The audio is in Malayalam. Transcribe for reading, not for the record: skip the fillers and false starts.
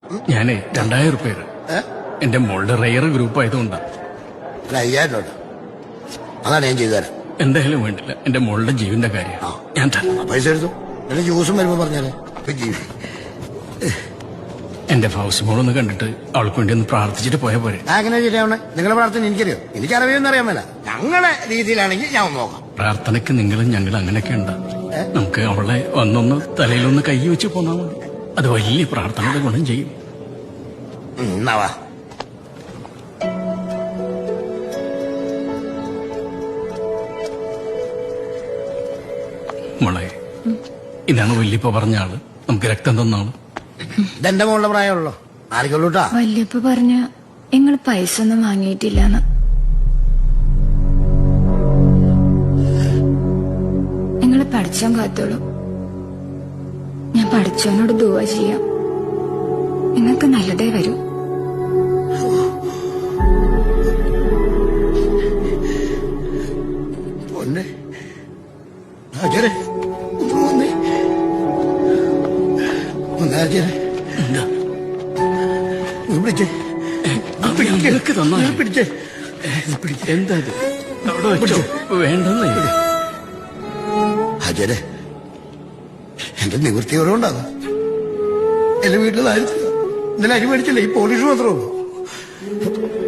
ഞാനേ 2000 റുപ്യ എന്റെ മോളുടെ റയർ ഗ്രൂപ്പ് ആയതുകൊണ്ടാ. 5000 രൂപ അതാണ് ഞാൻ ചെയ്തു തരാം. എന്തായാലും വേണ്ടില്ല, എന്റെ മോളുടെ ജീവന്റെ കാര്യം ഞാൻ പൈസ എടുത്തു. എന്റെ ജ്യൂസും വരുമ്പോ പറഞ്ഞാലേ ജീവൻ. എന്റെ ഫൗസ് മോളൊന്ന് കണ്ടിട്ട് അവൾക്ക് വേണ്ടി ഒന്ന് പ്രാർത്ഥിച്ചിട്ട് പോയാ പോരെ? അങ്ങനെ ശരിയാവണേ. നിങ്ങളെ പ്രാർത്ഥന എനിക്കറിയോ? എനിക്കറിയുമെന്ന് അറിയാൻ മേല. ഞങ്ങളുടെ രീതിയിലാണെങ്കിൽ ഞാൻ ഒന്ന് നോക്കാം. പ്രാർത്ഥനയ്ക്ക് നിങ്ങളും ഞങ്ങൾ അങ്ങനെയൊക്കെ ഉണ്ട്. നമുക്ക് അവളെ ഒന്നൊന്ന് തലയിലൊന്ന് കൈ വെച്ച് പോന്നാ മതി. അത് വലിയ പ്രാർത്ഥനയുടെ ഗുണം ചെയ്യും. എന്നാവാ മോളെ, ഇതാണ് വല്യപ്പ പറഞ്ഞ ആള്. നമുക്ക് രക്തം തന്ന ആള്. ഇതെന്റെ മോളുടെ പ്രായമുള്ളൂ. ആർക്കുള്ളൂട്ടാ? വല്യപ്പ പറഞ്ഞ നിങ്ങൾ പൈസ ഒന്നും വാങ്ങിയിട്ടില്ലെന്ന്. നിങ്ങൾ പഠിച്ചാൻ കാത്തോളൂ. ഞാൻ പഠിച്ചവനോട് ദുആ ചെയ്യാം. നിങ്ങൾക്ക് നല്ലതേ വരൂ. എന്താ വേണ്ടെന്ന് ഹജരെ, എന്റെ നിവൃത്തിയോടുണ്ടാകാം. എന്റെ വീട്ടിൽ ഇന്നലെ അരി മേടിച്ചില്ലേ? ഈ പോലീസ് മാത്രമേ ഉള്ളൂ.